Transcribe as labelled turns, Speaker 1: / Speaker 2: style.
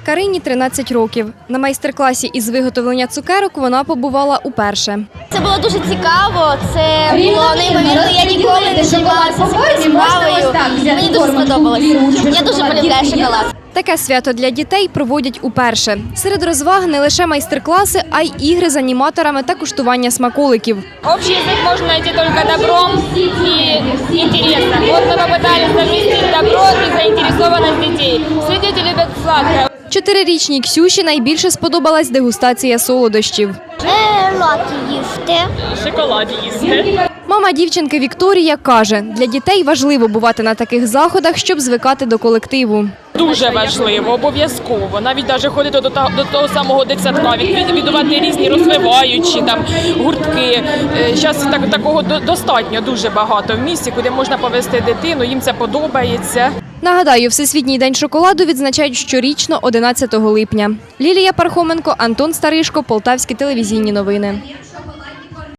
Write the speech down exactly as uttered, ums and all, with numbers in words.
Speaker 1: Карині тринадцять років. На майстер-класі із виготовлення цукерок вона побувала уперше.
Speaker 2: Це було дуже цікаво, це було неймовірно, я ніколи не займалася цією справою, мені дуже сподобалось. Я дуже полюбляю шоколад.
Speaker 1: Таке свято для дітей проводять уперше. Серед розваг не лише майстер-класи, а й ігри з аніматорами та куштування смаколиків.
Speaker 3: Общий язык можно найти только добром и интересом. Вот мы попытались совместить добро и заинтересованность детей. Все дети любят сладкое.
Speaker 1: Чотирирічній Ксюші найбільше сподобалась дегустація солодощів.
Speaker 2: Лаки їсти.
Speaker 3: Шоколад їсти.
Speaker 1: Мама дівчинки Вікторія каже, для дітей важливо бувати на таких заходах, щоб звикати до колективу.
Speaker 3: Дуже важливо, обов'язково. Навіть навіть ходити до того, до того самого дитсадка, відвідувати різні розвиваючі там гуртки. Зараз так, такого достатньо дуже багато в місті, куди можна повезти дитину, їм це подобається.
Speaker 1: Нагадаю, Всесвітній день шоколаду відзначають щорічно одинадцятого липня. Лілія Пархоменко, Антон Старишко, Полтавські телевізійні новини.